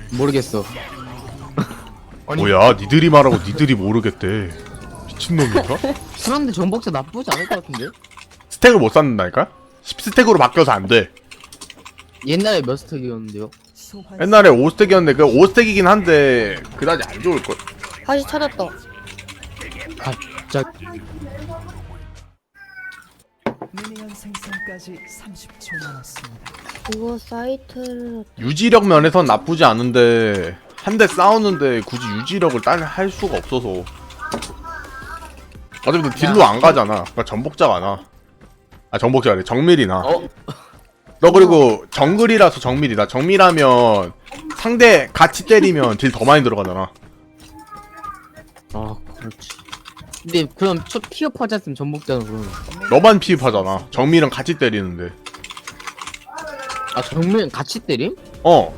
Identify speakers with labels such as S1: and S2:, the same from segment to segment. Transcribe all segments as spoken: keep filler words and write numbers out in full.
S1: 모르겠어.
S2: 아니,
S3: 뭐야 니들이 말하고 니들이 모르겠대. 미친놈인가?
S1: 그런데 전복자 나쁘지 않을 것 같은데?
S3: 스택을 못 쌓는다니까? 십 스택으로 바뀌어서 안돼.
S1: 옛날에 몇 스택이었는데요?
S3: 옛날에 오 스택이었는데 그 오 스택이긴 한데 그다지 안 좋을걸?
S4: 다시 찾았다.
S1: 갑자기.
S5: 미니언 생성까지 삼십 초 남았습니다.
S4: 이거 사이트를
S3: 유지력 면에선 나쁘지 않은데 한 대 싸우는데 굳이 유지력을 딸 할 수가 없어서 어차피 딜로 안 가잖아. 그러니까 전복자가 나. 아 전복자래 정밀이 나.
S1: 어?
S3: 너 그리고 정글이라서 정밀이다. 정밀하면 상대 같이 때리면 딜 더 많이 들어가잖아.
S1: 아, 그렇지. 근데 그럼 첫 피업하지 않으면 전복자는 그러면.
S3: 너만 피입하잖아. 정밀은 같이 때리는데.
S1: 아, 정면 같이 때림?
S3: 어,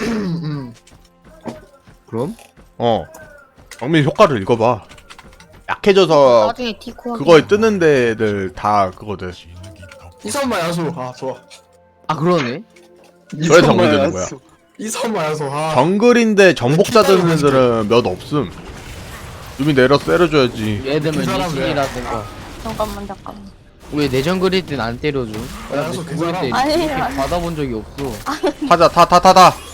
S1: 그럼?
S3: 어. 정밀 효과를 읽어봐. 약해져서
S4: 나중에 디코
S3: 그거에 뜨는 데들 다 그거들.
S2: 이선마 야수. 아 좋아.
S1: 아, 그러네.
S3: 저래 정글 되는 거야.
S2: 이선마 야수. 아.
S3: 정글인데 정복자 드는 애들은 몇 없음. 유미 내려서 때려줘야지.
S1: 예를 들면
S2: 그 사람
S1: 리신이라든가.
S4: 잠깐만 잠깐만.
S1: 왜 내전 그릴 땐 안 때려줘?
S2: 야, 그래서 그 사람-
S1: 때
S4: 아니,
S1: 이렇게
S4: 아니.
S1: 받아본 적이 없어.
S3: 타자 타 타 타 타.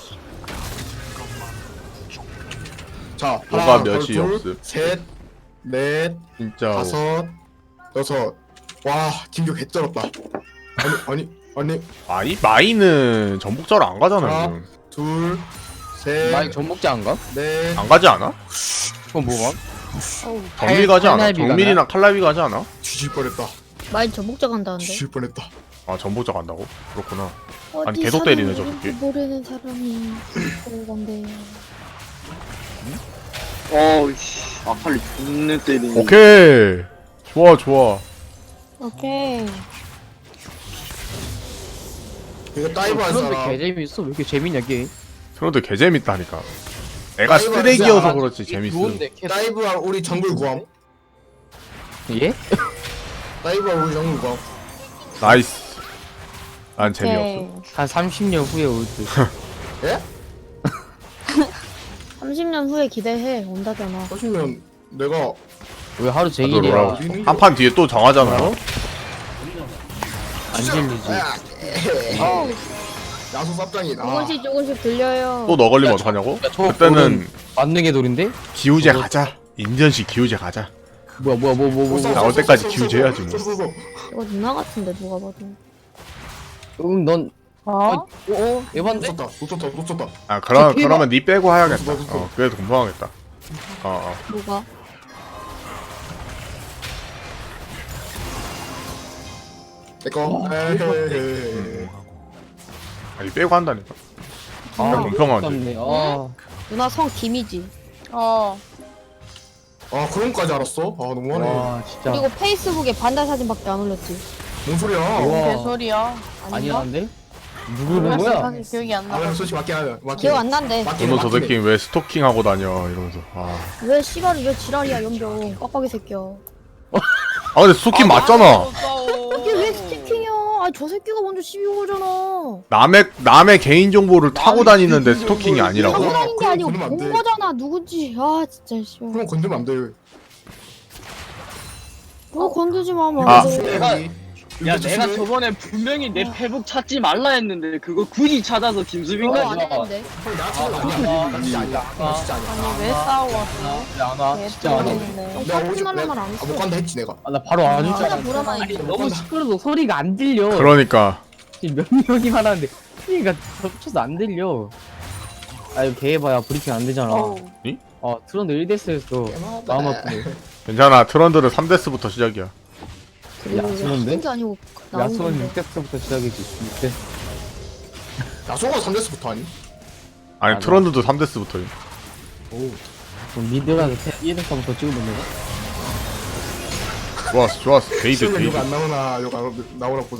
S2: 자,
S3: 뭐가
S2: 하나,
S3: 몇이
S2: 둘,
S3: 없음.
S2: 셋, 넷,
S3: 진짜.
S2: 다섯, 여섯. 와, 진규 개쩔었다. 아니, 아니, 아니.
S3: 마이 마이는 전복자로 안 가잖아.
S2: 하나,
S3: 요즘.
S2: 둘, 셋,
S1: 많이 전복자 안 가?
S2: 넷.
S3: 안 가지 않아?
S1: 그건 뭐가?
S4: 어우,
S3: 정밀 가지 않아?
S1: 칼날비
S3: 정밀이나 칼날비 가지 않아?
S2: 뒤질 뻔했다.
S4: 많이 전복자 간다는데.
S2: 뒤질 뻔했다.
S3: 아 전복자 간다고? 그렇구나.
S4: 어디
S3: 아니, 계속 때리네, 저
S4: 사람이
S3: 새끼.
S4: 모르는 사람이 그러던데.
S6: 어우씨 아칼리 존내 때리네.
S3: 오케이. 좋아 좋아.
S4: 오케이.
S2: 이거 다이브 한
S1: 그런데
S2: 사람.
S1: 개 재밌어. 왜 이렇게 재밌냐 게임?
S3: 그런데 개 재밌다니까. 애가
S2: 다이브
S3: 쓰레기여서
S2: 하지
S3: 그렇지 재밌음.
S1: 좋은데 캐
S2: 다이브한 우리 정글 구함.
S1: 예?
S2: 다이브한 우리 정글 구함.
S3: 나이스. 난 재미없어.
S1: 한 삼십 년 후에 올 듯.
S2: 예?
S4: 삼십 년 후에 기대해 온다잖아.
S2: 하시면 내가
S1: 왜 하루
S3: 나도
S1: 종일이야?
S3: 놀라고.
S2: 우리는
S3: 한 판 뒤에 또 정하잖아요.
S1: 안 질리지.
S4: 어우,
S2: 야수 쌉장이다.
S4: 조금씩 조금씩 들려요.
S3: 또 너 걸리면 어떡하냐고?
S1: 야, 저
S3: 그때는
S1: 만능의 돌인데?
S3: 기우제 가자. 인디언식 기우제 가자.
S1: 뭐야 뭐야 뭐 뭐 뭐. 뭐.
S3: 나올 때까지 기우제 해야지 뭐.
S4: 이거 누나 같은데 누가 봐도.
S1: 응, 넌
S4: 어?
S1: 어? 어? 에반데?
S2: 놓쳤다, 놓쳤다, 놓쳤다.
S3: 아 그럼
S1: 저
S3: 그러면 니 빼고 해야겠다.
S2: 너, 너, 너.
S3: 어 그래도 공평하겠다. 어 어.
S4: 뭐가?
S2: 내꺼. 에헤헤.
S3: 아니 빼고 한다니까.
S1: 아,
S3: 공평하지.
S1: 아깝네. 아.
S4: 누나 성 김이지.
S7: 어.
S2: 아, 그런 거까지 알았어? 아, 너무하네.
S1: 와, 진짜.
S4: 그리고 페이스북에 반달 사진밖에 안 올렸지.
S2: 뭔 소리야?
S1: 우와.
S7: 개소리야.
S1: 아니야, 안 돼? 누구는 거야?
S7: 사실 기억이 안
S2: 아,
S7: 나.
S2: 그냥 솔직히 맞게 하면. 맞게.
S4: 기억 안 난대.
S2: 맞게
S3: 너는 저
S2: 맞게.
S3: 새끼 왜 스토킹 하고 다녀 이러면서. 아,
S4: 왜 씨발이 왜 지랄이야 연병 빡빡이 새끼야.
S3: 아 근데 스토킹 맞잖아.
S4: 이게 왜 스티킹이야? 아 저 새끼가 먼저 시비 걸잖아.
S3: 남의 남의 개인 정보를 타고 다니는데 스토킹이 아니라고?
S2: 타고
S4: 타고 다닌 게
S2: 그럼
S4: 아니고
S2: 건들면 안 돼.
S4: 본 거잖아 누군지. 아 진짜 씨발.
S2: 그럼 건들면 안 돼.
S4: 뭐 건들지 마. 뭐.
S3: 아.
S6: 내가 야
S2: 이거
S6: 내가
S2: 조심해.
S6: 저번에 분명히 내 페북 찾지 말라 했는데 그거 굳이 찾아서
S4: 그거
S6: 김수빈까지
S4: 안 했는데.
S2: 형, 나 진짜 아니야. 나 진짜 아니야. 나 진짜 아니야.
S7: 아니 왜 싸워왔어?
S1: 안 와. 진짜 안 와.
S7: 개뿔이네.
S2: 내가
S4: 같은
S2: 오지
S4: 말만
S2: 내가
S4: 안
S2: 아,
S4: 했어.
S2: 못 간다 했지 내가.
S1: 아, 나 바로 안 줄 줄
S4: 진짜
S1: 알았어.
S4: 보라만
S1: 아니,
S4: 했지.
S1: 너무 시끄러도 소리가 안 들려.
S3: 그러니까
S1: 지금 몇 명이 말하는데 소리가 겹쳐서 안 들려. 아 이거 개해봐야 브리핑 안 되잖아.
S7: 어우.
S1: 아 트런드 일 데스였어. 마음 아프네.
S3: 괜찮아. 트런드는 삼 데스부터 시작이야.
S1: 야수는데?
S4: 한게 아니고 나온
S1: 야수는
S4: 건데.
S1: 육 데스부터 시작이지. 육 데스.
S2: 야소가 삼 데스부터 아니?
S3: 아니
S1: 맞아.
S3: 트런드도 삼 데스부터.
S2: 오.
S1: 그럼 미드라서 일 데스부터 찍으면 되나?
S3: 좋았어 좋았어. 베이드
S2: 시험에
S3: 베이드.
S2: 욕안 나오나 욕 안 나오나 보자.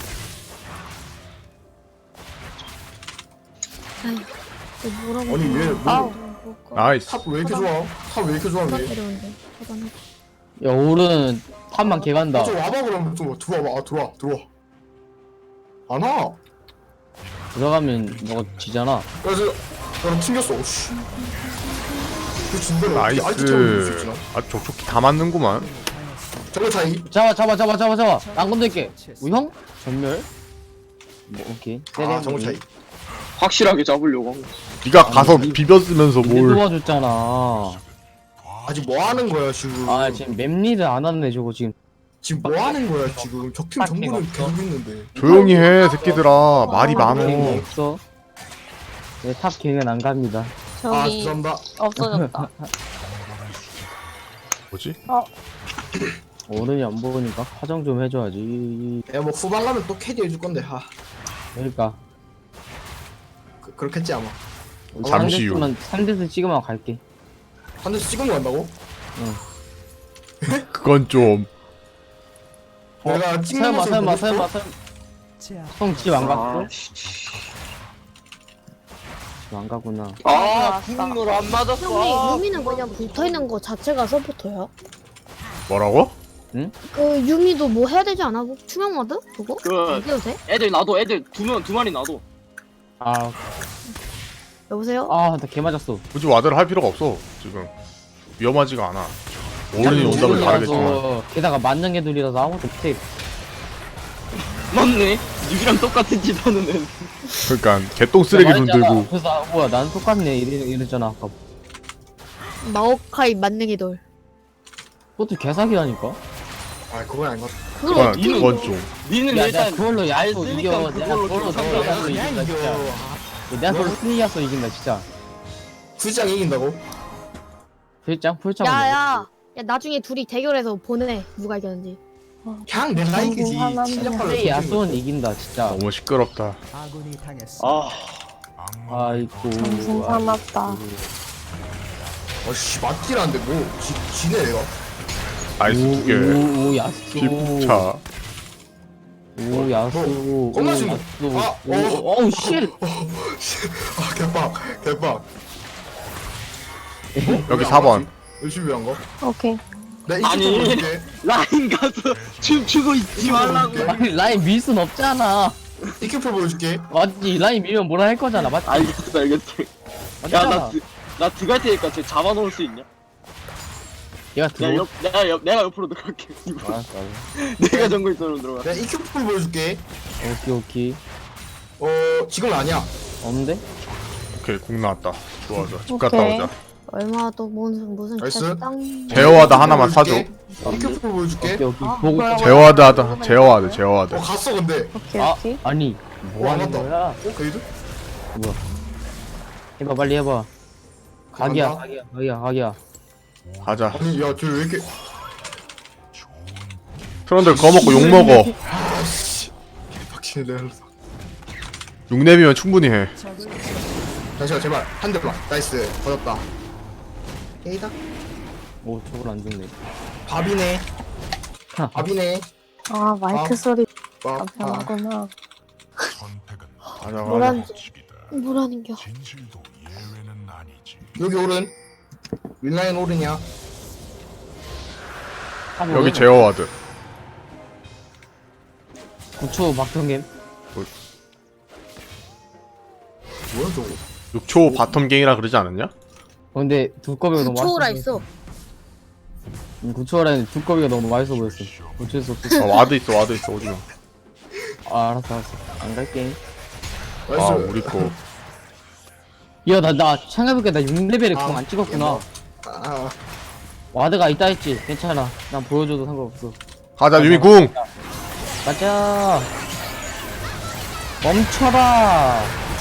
S4: 아휴, 또 뭐라고.
S2: 아니, 얘 뭐-
S4: 아우.
S3: 나이스.
S2: 탑 왜 이렇게 좋아? 탑 왜 이렇게 좋아?
S4: 누가
S2: 얘?
S4: 때려온대. 차단해.
S1: 야 오른 탑만 개간다.
S2: 좀 와봐 그럼 좀 들어와봐. 아, 들어와 들어와. 안 와.
S1: 들어가면 너가 지잖아.
S2: 그래서 나 튕겼어. 오씨. 그 진대로 아이템 수
S3: 나이스.
S2: 있나?
S3: 아주 족족히 다 맞는구만.
S2: 정글 차이.
S1: 잡아 잡아 잡아 잡아 잡아. 안 건들게. 우형? 전멸? 뭐 오케이.
S2: 아 정글 차이.
S6: 확실하게 잡으려고 한 거.
S3: 네가 가서 비벼쓰면서
S1: 내
S3: 뭘?
S1: 도와줬잖아.
S2: 아직 뭐 하는 거야 지금?
S1: 아 지금 맵리드 안 왔네 저거 지금.
S2: 지금 뭐 하는 거야 지금? 적팀
S1: 빡빡이
S2: 정글은
S1: 없어.
S2: 계속 있는데.
S3: 조용히 해, 새끼들아. 말이
S1: 어,
S3: 많어.
S1: 없어. 내탑 갱은 안 갑니다.
S2: 아
S7: 저기
S2: 죄송합니다.
S7: 없어졌다.
S3: 뭐지?
S1: 어른이 안 보니까 화정 좀 해줘야지.
S2: 야뭐 후반 가면 또 캐디 해줄 건데. 하.
S1: 그러니까.
S2: 그, 그렇겠지 아마.
S3: 잠시 후.
S1: 삼 대스 찍으면 갈게.
S2: 한 대씩 찍은 거 한다고?
S3: 그건 좀.
S2: 내가 찍는
S1: 설마
S2: 모습
S1: 설마
S2: 보고
S1: 설마
S2: 싶어?
S1: 설마.
S5: 제압.
S1: 형 집 안 갔어?
S6: 아, 씨.
S1: 집 안 가구나.
S6: 아, 궁을 안 맞았어.
S4: 형님 유미는 그냥 붙어있는 거 자체가 서포터야?
S3: 뭐라고?
S4: 그 유미도 뭐 해야 되지 않아? 뭐 투명 모드? 그거?
S6: 그
S4: 이겨도 돼?
S6: 애들 놔둬. 애들 두 명, 두 마리 놔둬.
S1: 아,
S4: 여보세요?
S1: 아, 나 개 맞았어.
S3: 굳이 와드를 할 필요가 없어. 지금 위험하지가 않아. 어른이 온다면 다르겠지만.
S1: 어른이라서, 게다가 만능 애들이라서 아무것도 못해.
S6: 맞네. 유비랑 똑같은 짓 하는 애.
S3: 그러니까 개똥 쓰레기 손 들고.
S1: 그래서 아, 뭐야, 난 똑같네 이래, 이랬잖아 아까.
S4: 마오카이 만능이 돌.
S1: 그것도 개사기라니까.
S2: 아 그건 아닌 것 같아.
S4: 그걸
S3: 그건,
S4: 어떻게
S3: 그건
S4: 이겨?
S3: 좀.
S6: 니는
S1: 야,
S6: 일단
S1: 내가 그걸로
S6: 잘
S1: 야수
S6: 쓰니까
S1: 이겨. 내가
S6: 그걸로
S1: 그걸로
S6: 좀
S1: 너무 야수
S2: 그냥
S1: 이긴다 진짜.
S2: 이겨.
S1: 내가 그걸로 스니야수 이긴다 진짜.
S2: 후지장 이긴다고?
S1: 풀짱 풀짱.
S4: 야야 야 나중에 둘이 대결해서 보내 누가 이겼는지.
S2: 그냥 내가 이기지.
S7: 하나는
S2: 실력발로
S1: 플레이 야수는 이긴다 진짜.
S3: 너무 시끄럽다.
S5: 아군이 당했습니다.
S6: 아,
S1: 아이고.
S7: 정신 사납다.
S2: 어씨 맞지라는데 뭐 지, 지네 얘가.
S3: 나이스 두 개.
S1: 오, 야수.
S3: 피부차.
S1: 오, 야수. 오,
S2: 겁나지 뭐.
S1: 야수.
S2: 아,
S1: 오,
S2: 어.
S1: 어우, 쉣.
S2: 아 개빡 개빡.
S3: 여기 사 번.
S2: 열심히 한 거?
S7: 오케이.
S2: 내가
S6: 아니.
S2: 이기고 볼게.
S6: 라인 가서 춤추고 있지 말라고.
S1: 아니, 라인 밀 순 없잖아.
S2: 이큐표 보여줄게.
S1: 맞지? 라인 밀면 뭐라 할 거잖아. 맞지?
S6: 알겠어, 알겠어. 야,
S1: 맞잖아.
S6: 나, 드, 나 들어갈 테니까 쟤 잡아놓을 수 있냐?
S1: 얘가
S6: 내가
S1: 들어.
S6: 옆, 내가 옆, 내가 옆으로 들어갈게.
S1: 알았어, 알았어.
S6: 내가 정글선으로 들어가.
S2: 내가 이큐표 보여줄게.
S1: 오케이, 오케이.
S2: 어 지금은 아니야.
S1: 없는데?
S3: 오케이 국 나왔다. 좋아 좋아. 집 갔다
S7: 오케이.
S3: 오자.
S4: 얼마 또 무슨 무슨
S2: 나이스.
S4: 땅.
S3: 제어와드 하나만 사줘.
S2: 이큐표 보여줄게.
S1: 오케이, 오케이. 보고.
S3: 제어와드 하다. 제어와드 제어와드.
S2: 어 갔어 근데.
S7: 오케이
S1: 아,
S7: 오케이.
S1: 아니. 뭐
S2: 와,
S1: 하는
S2: 맞다.
S1: 거야?
S2: 어 그래도?
S1: 뭐야? 해봐, 빨리 해봐. 각이야,
S2: 간다.
S1: 각이야, 각이야, 각이야.
S3: 가자.
S2: 아니 야쟤 왜 이렇게?
S3: 트런들 거 먹고 욕 먹어.
S2: 아씨. 개빡치네 내가.
S3: 육 렙이면 충분히 해.
S2: 잠시만 제발 한 대만. 나이스. 받았다. 게이다.
S1: 오, 저걸 안 죽네.
S2: 밥이네. 밥이네.
S7: 아 마이크
S2: 아.
S7: 소리
S2: 밥. 아.
S7: 감상하구나.
S3: 가자 가자.
S4: 뭐라는 뭐라는겨?
S2: 여기 오른. 윈라인 오른이야.
S3: 여기 제어와드.
S1: 구 초 박성겜.
S2: 뭐야 저거?
S3: 육 초 바텀 갱이라 그러지 않았냐?
S1: 어, 근데 두꺼비가 너무
S4: 초라
S1: 맛있어.
S4: 있어.
S1: 응, 구초라는 두꺼비가 너무 맛있어 보였어. 어쩔 수 없어.
S3: 아 와드 있어 와드 있어 오지마.
S1: 아, 알았어, 알았어. 안 갈게.
S3: 아
S2: 나이스.
S3: 우리 거.
S1: 야, 나, 나, 생각해보니까 나 육 레벨에
S2: 아,
S1: 공 안 찍었구나.
S2: 아,
S1: 와드가 있다 했지. 괜찮아. 난 보여줘도 상관없어.
S3: 가자 유미 궁.
S1: 가자. 멈춰라.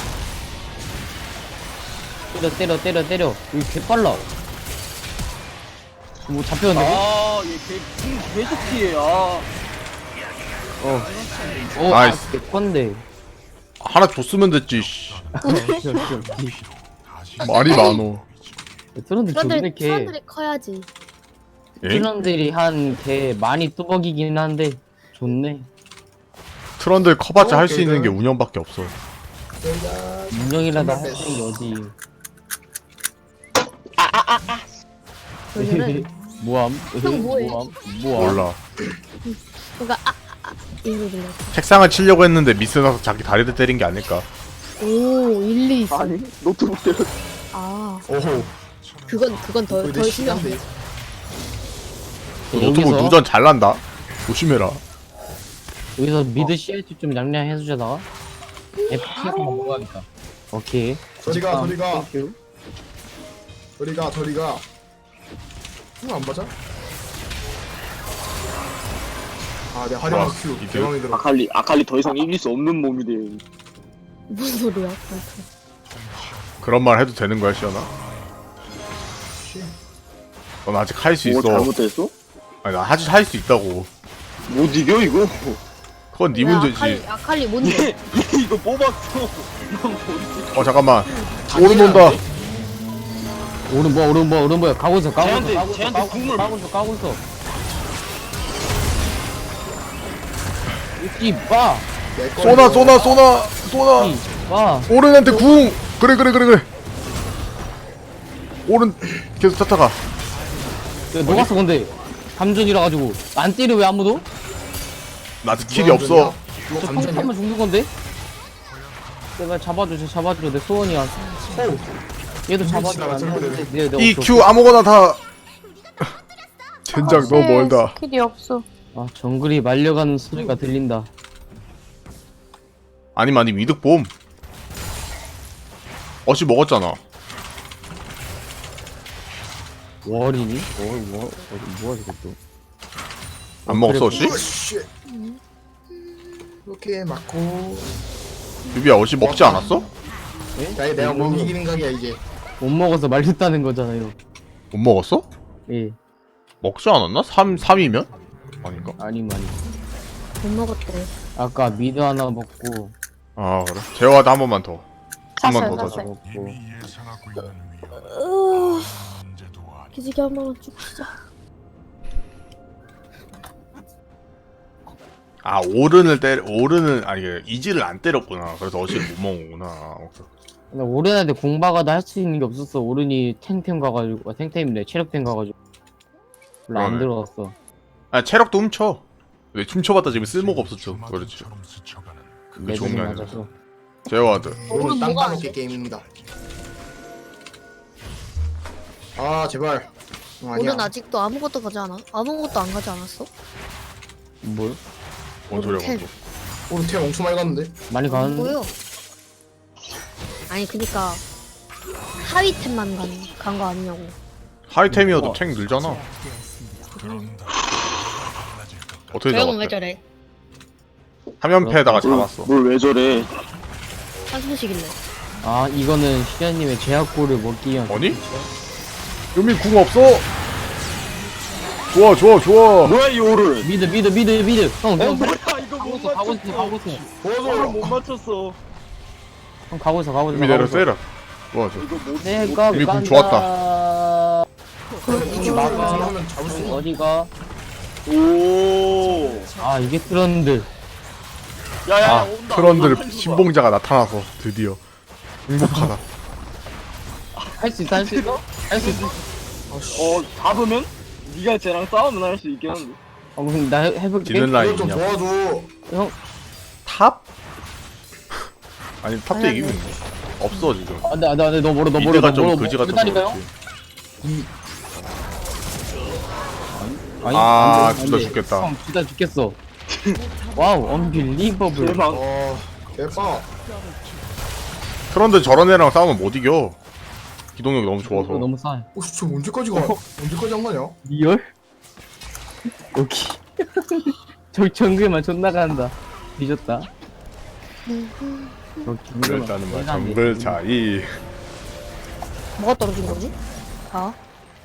S1: 때려, 때려, 때려, 때려. 이거 개빨라. 뭐 잡혔는데?
S6: 아, 얘 개, 궁 계속 피해, 아.
S1: 어. 어,
S3: 나이스.
S1: 아, 개건데.
S3: 하나 줬으면 됐지. 씨. 말이 많어.
S1: 트런드 존나
S4: 그런데
S1: 개.
S4: 사람들이 커야지.
S3: 엥?
S1: 트런들이 한 개 많이 뚜벅이긴 한데 좋네.
S3: 트런들 커봤자
S2: 어,
S3: 할 수 있는 게
S2: 걔들.
S3: 운영밖에 없어.
S1: 운영이라도 할 수 있는 게 어디.
S4: 요즘은
S1: 뭐함?
S4: 형 뭐해?
S1: 뭐함? 뭐함?
S3: 몰라.
S4: 그러니까 아아아 이거 들려.
S3: 책상을 치려고 했는데 미스 나서 자기 다리를 때린 게 아닐까.
S4: 오 일리 있어.
S6: 아니 노트북 때려.
S4: 아
S2: 오호.
S4: 그건 그건 더
S2: 거의
S4: 더
S2: 내
S4: 신경.
S2: 시간대.
S3: 노트북
S1: 여기서-
S3: 누전 잘난다. 조심해라.
S1: 여기서 미드 씨알티 좀 양양해주자다가 에프티에서 먹어야겠다. 오케이.
S2: 저리가 저리가
S1: 땡큐.
S2: 저리가 저리가. 이거 안 맞아? 아, 내 화려한
S3: 와,
S2: 큐
S3: 이들.
S2: 대왕이 들어.
S6: 아칼리 아칼리 더 이상 이길 수 없는 몸이 돼.
S4: 무슨 소리야?
S3: 그런 말 해도 되는 거야, 시연아? 넌 아직 할 수
S6: 뭐
S3: 있어.
S6: 잘못했어?
S3: 아니, 나 아직 할 수 있다고.
S6: 못 이겨 이거.
S3: 그건 네
S4: 왜
S3: 문제지.
S4: 아칼리 아칼리 뭔데?
S6: 얘 이거 뽑았어. 넌 모르지.
S3: 어, 잠깐만. 오른 온다.
S1: 오른 뭐야 오른 뭐야 오른 뭐야 가고 있어 가고
S6: 쟤한테-
S1: 있어 가고 있어
S6: 쟤한테
S1: 가고 있어
S6: 궁을-
S1: 가고 있어 가고 있어. 이빠
S2: 내 거.
S3: 쏘나, 쏘나, 쏘나, 쏘나.
S1: 와
S3: 오른한테 궁. 그래, 그래, 그래, 그래. 오른 계속 쫓아가.
S1: 녹았어 근데 감전이라 가지고 안 때려 왜 아무도?
S3: 나 스킬이 없어.
S2: 이거
S1: 저
S2: 감전이야?
S1: 펑크하면 죽는 건데? 제발 잡아줘 저 잡아줘 내 소원이야. 얘도 잡아줘
S2: 지나가,
S1: 안
S2: 저렇게
S1: 되는데 내- 내
S3: 이
S1: 없어.
S3: 큐 아무거나 다. 젠장 너무 멀다.
S7: 스킬이 없어.
S1: 아 정글이 말려가는 소리가 들린다.
S3: 아니면 아니 이득 봄. 어시 먹었잖아.
S1: 월이니? 월, 월, 어디 뭐야 저것도.
S3: 안 먹었어 어시?
S2: 으쌰. 이렇게 맞고.
S3: 유비야 어시 먹지 않았어?
S2: 야, 이제 내가 못 이기는 각이야 이제.
S1: 못 먹어서 말렸다는 거잖아요.
S3: 못 먹었어?
S1: 예,
S3: 먹지 않았나? 삼, 삼이면? 아닌가?
S1: 아니면 아니.
S4: 못 먹었대.
S1: 아까 미드 하나 먹고
S3: 아 그래? 재화도 한 번만 더. 한 번
S7: 샀어요,
S3: 더
S7: 샀어요.
S3: 더.
S1: 먹고.
S4: 기지개 한 번만 쭉 치자.
S3: 아 오른을 때려 오른을 아니 이지를 안 때렸구나. 그래서 어시를 못 먹는구나. 어,
S1: 근데 오른한테 공박아도 할 수 있는 게 없었어. 오른이 탱템 가가지고 아, 탱템이네 체력템 가가지고 별로 안
S3: 그러네.
S1: 들어갔어.
S3: 아 체력도 훔쳐. 왜 훔쳐봤다 지금 쓸모가 없었죠. 그렇지. 그게 좋은 게
S1: 매듭이
S3: 아니라.
S1: 맞아서.
S3: 제어와드.
S2: 오늘 땅 따먹기 게임입니다. 아, 제발. 어, 아니야.
S4: 오른 아직도 아무것도 가지 않아? 아무것도 안 가지 않았어?
S1: 뭘?
S3: 뭔 소리야
S4: 템.
S3: 뭔
S2: 오늘 템 엄청 많이 갔는데.
S1: 많이 가는.
S4: 뭐요? 아니 그니까 하위템만 간 거 아니냐고.
S3: 하이템이어도 탱 늘잖아. 어떻게
S4: 저형은 왜
S3: 잡았대?
S4: 저래?
S3: 화면패에다가 잡았어.
S6: 뭘 왜 저래?
S4: 한숨씩일래.
S1: 아 이거는 시아님의 제약골을 먹기 위한.
S3: 아니? 유미 궁 없어. 좋아 좋아 좋아.
S6: 뭐야 이 오를?
S1: 미드 미드 미드 미드. 형,
S6: 어
S1: 형
S6: 뭐야 이거
S1: 가고
S6: 못
S1: 있어 가고 있어 가고
S6: 맞췄어.
S1: 있어.
S6: 오를 못 맞췄어.
S1: 형 가고 있어 가고 있어.
S3: 유미 내려 세라. 좋아 좋아.
S6: 이거 못.
S1: 내가
S3: 이미 공
S1: 간다.
S3: 좋았다.
S2: 이렇게
S1: 막아.
S2: 하면 잡을 수 있어.
S1: 어디가?
S6: 오.
S1: 아 이게 트런들.
S6: 야야
S3: 아
S6: 온다.
S3: 트런들
S6: 온다.
S3: 신봉자가 나타나서 드디어 행복하다.
S1: 할 수 있어 할 수 있어? 할 수 있어.
S6: 어 잡으면 네가 쟤랑 싸우면 할 수 있겠는데.
S1: 어 그럼 나 해- 해볼게.
S3: 지는
S2: 이거 좀
S3: 라인이냐?
S2: 도와줘.
S1: 형
S3: 탑? 아니 탑도
S4: 아니,
S3: 이기고 있네. 없어 지금.
S1: 안돼 안돼 안돼 너 멀어 너 멀어
S3: 미드가
S1: 너
S3: 좀
S1: 멀어.
S3: 그지 같아서
S1: 그다니까요?
S3: 그렇지.
S1: 아니,
S3: 아,
S1: 안 돼, 안
S3: 둘다
S1: 돼.
S3: 죽겠다.
S1: 형, 둘다 죽겠어. 와우, 언빌리버블.
S6: 대박.
S2: 어, 대박.
S3: 트런들 저런 애랑 싸우면 못 이겨. 기동력이 너무
S1: 이거
S3: 좋아서.
S1: 너무 싸.
S2: 오, 저 언제까지 가? 언제까지 한 거냐?
S1: 리얼? 오케이. 저 정글만 존나 간다. 뒤졌다.
S3: 그랬다는 말 정글 차이.
S4: 뭐가 떨어진 거지? 아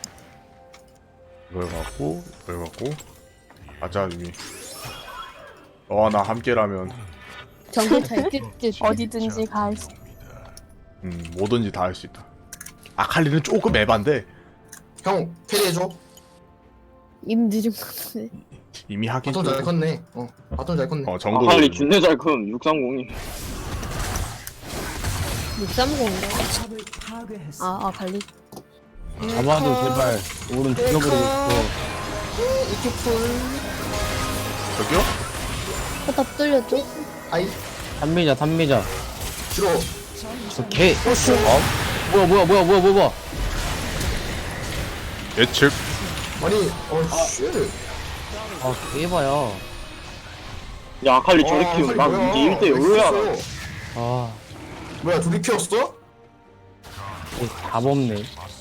S3: 이걸 갖고 이걸 갖고 가자 이미. 너와 나 함께라면
S4: 정글 잘 뜰.
S7: 어디든지 갈 수.
S3: 음 뭐든지 다 할 수 있다. 아칼리는 조금 에반데
S2: 형, 캐리해줘.
S4: 임 늦은 것 같은데.
S3: 이미 하긴
S2: 바톤 잘
S3: 좀-
S2: 컸네. 어, 바톤 잘 컸네.
S3: 어 정글.
S6: 아칼리 준내 잘큼 육삼공이.
S4: 육삼공인데?
S5: 탑을 파괴했어.
S4: 아, 아 발리.
S1: 잡아도 제발 오른 죽여버리고 싶어.
S4: 이쪽 풀.
S3: 저기요?
S4: 포탑 뚫렸죠?
S2: 아이,
S1: 단미자 단미자.
S2: 싫어.
S1: 저개 어? 뭐야 뭐야 뭐야 뭐야 뭐야
S3: 예측.
S2: 아니 어쉣
S1: 아 개봐야
S6: 야 아칼리 저렇게 키우면 난 이제 일 대 영으로 해야
S1: 아
S2: 뭐야 둘이 키웠어?
S1: 답 없네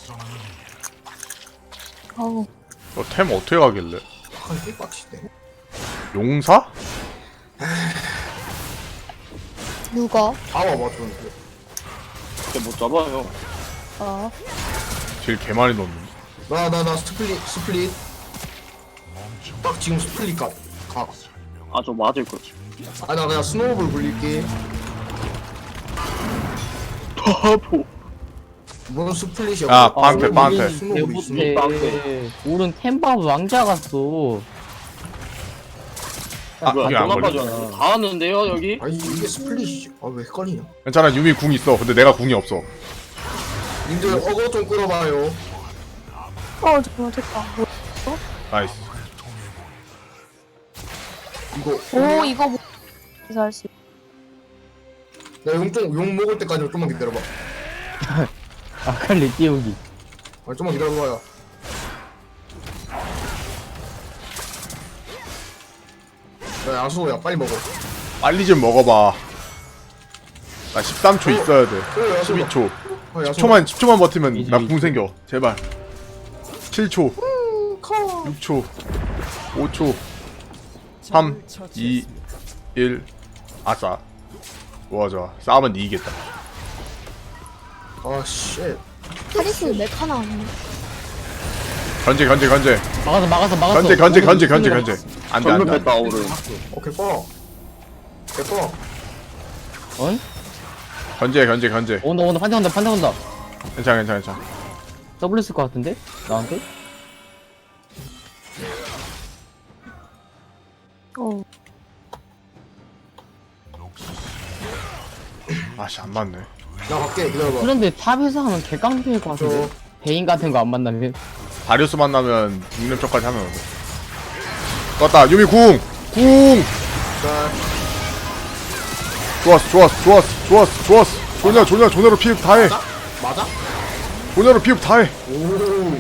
S7: 어우,
S3: 너 템 어떻게 가길래?
S2: 아 빡치네.
S3: 용사?
S4: 누가?
S2: 다 와봐 좀.
S6: 진짜 못 잡아요.
S4: 아
S3: 딜 개 많이 넣었는데.
S2: 나나 나 스플릿 스플릿. 딱 지금 스플릿 가. 가.
S6: 아 저 맞을 거지.
S2: 아 나 그냥 스노우볼 굴릴게.
S6: 바보.
S2: 뭔 스플릿이야?
S3: 아,
S2: 뭐.
S3: 빵패,
S2: 아,
S3: 빵패.
S2: 스노우볼이 있어.
S1: 대부대 오른 템밥 왕자 갔어
S3: 아,
S6: 뭐야
S3: 이게 안
S6: 돈
S3: 걸려.
S6: 아빠잖아. 다 왔는데요 여기?
S2: 아니 이게 스플릿이지. 아 왜 헷갈리냐?
S3: 괜찮아, 유미 궁 있어. 근데 내가 궁이 없어.
S2: 님들 어거 좀 끌어봐요.
S7: 어, 정말 됐다.
S3: 나이스.
S2: 이거
S7: 오, 이거 뭐, 이거 할 수.
S2: 나 용좀 용 먹을 때까지 좀만 기다려봐.
S1: 아칼리 띄우기
S2: 아 좀만 기다려봐요. 야 야수야 빨리 먹어.
S3: 빨리 좀 먹어봐. 나 십삼 초 있어야 돼.
S2: 그래 야수.
S3: 십이 초.
S2: 아, 야수.
S3: 십 초만, 십 초만 버티면
S1: 이제,
S3: 나
S1: 이제.
S3: 궁 생겨. 제발. 칠 초. 육 초. 오 초. 삼, 이, 일. 아싸. 좋아, 좋아. 싸우면 니 이기겠다.
S2: 아 쉣.
S4: 카리스 맥 하나 아니네.
S3: 견제, 견제, 견제.
S1: 막아서 막아서 막아서
S3: 견제, 견제,
S1: 오른
S3: 견제, 견제,
S1: 템이라.
S3: 견제. 안 돼,
S6: 전면
S3: 안 돼.
S6: 뺐다 오른.
S2: 오케이 뻐. 개뻐.
S1: 어?
S3: 견제, 견제, 견제.
S1: 온다 온다 판정 온다 판정 온다
S3: 괜찮아, 괜찮아, 괜찮아.
S1: 더블 쓸 것 같은데? 나한테?
S7: 어,
S3: 아씨, 안 맞네.
S2: 나 갈게 기다려봐.
S1: 그런데 탑에서 하면 개깡패일 것 같은데?
S2: 저
S1: 베인 같은 거 안 만나면
S3: 다리우스 만나면 육 렙 쪽까지 하면 돼. 떴다, 유미 궁! 궁!
S2: 자,
S3: 좋았어, 좋았어, 좋았어, 좋았어, 좋았어. 조냐, 조냐, 조냐로 피흡 다 해.
S2: 맞아?
S3: 조냐로 피흡 다 해.
S2: 오.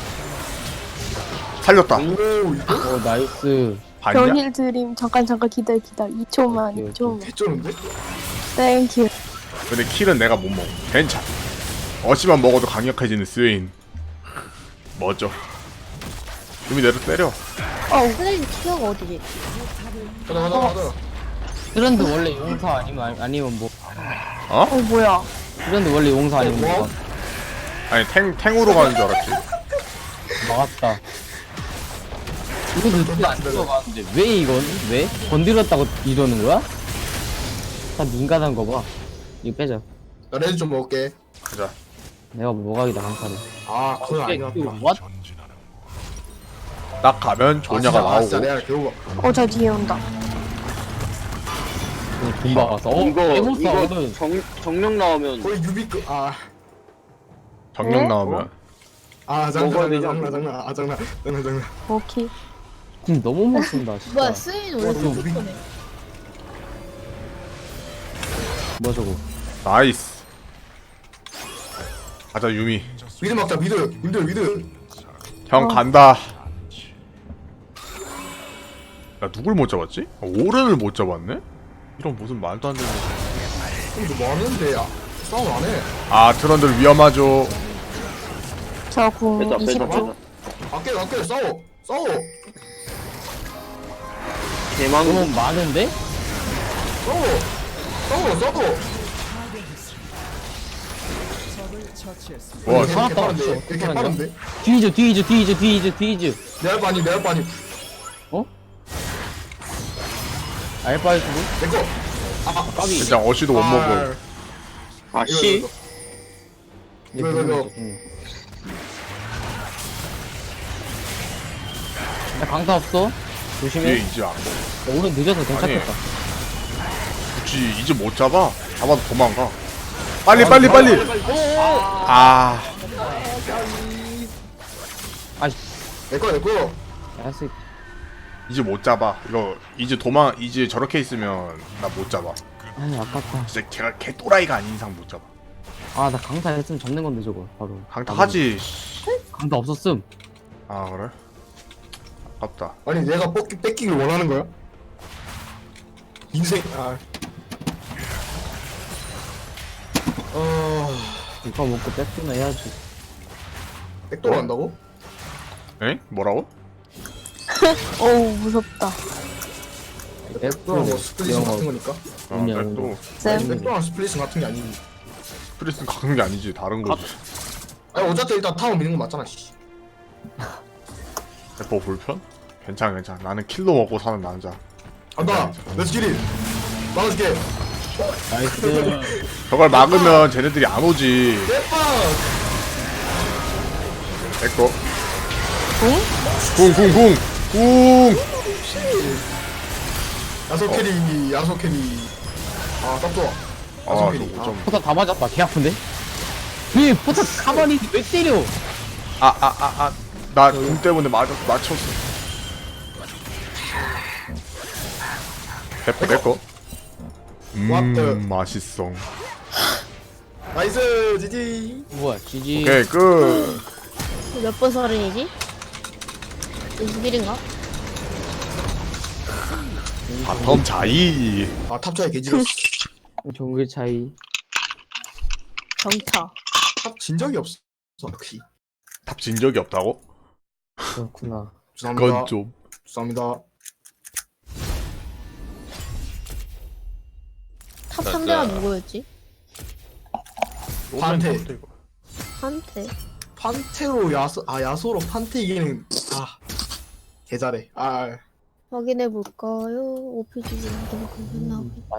S3: 살렸다.
S2: 오 이거
S1: 어 나이스
S3: 봤냐?
S7: 변일 드림. 잠깐, 잠깐, 기다려, 기다려. 이 초만,
S1: 오케이,
S7: 이 초만.
S2: 개쩌는데?
S7: 땡큐.
S3: 근데 킬은 내가 못 먹어. 괜찮아. 어시만 먹어도 강력해지는 스웨인. 멋져. 유미 내려 때려.
S4: 어 플레이 티어가 어디지?
S2: 가자 가자 가자.
S1: 트렌드 원래 용사 아니면 아니- 아니면 뭐
S3: 어?
S7: 어, 뭐야.
S1: 트렌드 원래 용사 아니면
S2: 뭐?
S1: 뭐
S3: 아니 탱 탱으로 가는 줄 알았지.
S1: 막았다 이거 눈치 안 들어가는데 왜 이건? 왜? 건드렸다고 이러는 거야? 다 민감한 거봐 이거 빼자
S2: 나 레드 좀 먹을게.
S3: 가자.
S1: 내가 뭐가기다 강타를
S2: 아 그건 아니야.
S1: 왓?
S3: 딱 가면 조냐가
S2: 아, 진짜
S3: 나오고.
S2: 내가 겨우
S7: 어, 저 뒤에 온다.
S1: 돈 박았어 어?
S6: 이거
S1: 해보스
S6: 이거
S1: 하거든
S6: 정 정령 나오면
S2: 거의 유비급. 아.
S3: 정령
S7: 어?
S3: 나오면.
S2: 아 장난
S6: 먹어야
S2: 장난
S6: 되지
S2: 장난
S6: 않나?
S2: 장난 아 장난 장난 장난.
S7: 오케이.
S1: 지금 너무 못 쓴다 진짜
S4: 뭐야 스인 원래
S2: 어,
S4: 스피커네.
S1: 뭐야 저거
S3: 나이스. 가자 유미.
S2: 미드 막자 미드 미드 미드.
S3: 형 간다. 야 누굴 못 잡았지? 아, 오른을 못 잡았네? 이런 무슨 말도 안 되는.
S2: 이거 뭐 하는데 야 싸움 안 해.
S3: 아 트런들 위험하죠.
S7: 저 궁
S6: 빼자 빼자
S7: 이십 초.
S6: 빼자.
S2: 아껴 아껴 싸워 싸워
S6: 대망.
S1: 너무 많은데?
S2: 싸워 싸워 싸워.
S5: 처치했습니다.
S3: 와,
S2: 이게
S1: 살았다.
S2: 개빠른데 이게 개빠른데.
S1: 뒤져 뒤져 뒤져 뒤져 뒤져
S2: 내할 바니 내할 바니
S1: 어? 알바이 수도?
S2: 내꺼. 아 까비.
S3: 진짜 어시도 못 먹어.
S2: 아,
S6: 아 씨.
S2: 이거 이거 이거.
S1: 나 강타 없어
S3: 뒤에
S1: 조심해
S3: 이제 안 먹어.
S1: 오늘 늦어서 괜찮겠다
S3: 굳이 이제 못 잡아. 잡아도 도망가. 빨리 빨리 빨리. 아
S1: 아씨
S2: 내꺼 내꺼.
S1: 야스
S3: 이제 못 잡아. 이거 이제 도망 이제 저렇게 있으면 나 못 잡아.
S1: 아이 아깝다.
S3: 진짜 제가 개또라이가 아닌 이상 못 잡아.
S1: 아 나 강타 했으면 잡는 건데 저거 바로.
S3: 강타 하지.
S1: 강타 없었음.
S3: 아 그래? 아깝다.
S2: 아니 내가 뺏기, 뺏기길 원하는 거야? 인생 아 어...
S1: 이거 먹고 뺏기나 해야지.
S2: 백도로 한다고?
S3: 에? 뭐라고?
S7: 어우 무섭다.
S2: 백도로 뭐 스플릿 같은 거니까?
S3: 아
S1: 아니야,
S3: 백도
S7: 쌤.
S2: 백도랑 스플릿 같은 게 아니지.
S3: 스프리스는 가는 게 아니지 다른 거지.
S2: 아니 어차피 일단 타워 미는 거 맞잖아 씨.
S3: 백도 불편? 괜찮아 괜찮아. 나는 킬로 먹고 사는 남자.
S2: 간다! 렛츠 기릿! 막아줄게!
S1: 나이스.
S3: 저걸 막으면 쟤네들이 안 오지.
S2: 대박!
S3: 백도. 궁? 궁, 궁, 궁! 궁!
S2: 야소 캐리 야소 캐리 아 딱 좋아.
S3: 아,
S2: 야소
S3: 저
S2: 캐리.
S3: 오 점.
S1: 포탑 다 맞았다. 개 아픈데? 왜 포탑 가만히 왜 때려?
S3: 아, 아, 아, 아. 나 궁 때문에 맞았, 맞췄어. 백도, 백도.
S2: What the-
S3: 음, 맛있어.
S2: 나이스 지지.
S1: 뭐야 지지.
S3: 오케이, 끝.
S4: 몇 번 서른이지? 이십일인가?
S3: 바텀 자이.
S2: 아 탑차에 개지렸어.
S1: 정글 차이.
S4: 정차.
S2: 탑진 적이 없어. 역시.
S3: 탑 진 적이 없다고?
S1: 그렇구나.
S2: 죄송합니다.
S3: 그건 좀.
S2: 죄송합니다.
S4: 탑 상대가 누구였지?
S2: 판테.
S4: 한테.
S2: 판테로 야소 아 야소로 판테 이기는 아 개잘해. 아
S4: 확인해 볼까요? 오피지 확인해 볼까요?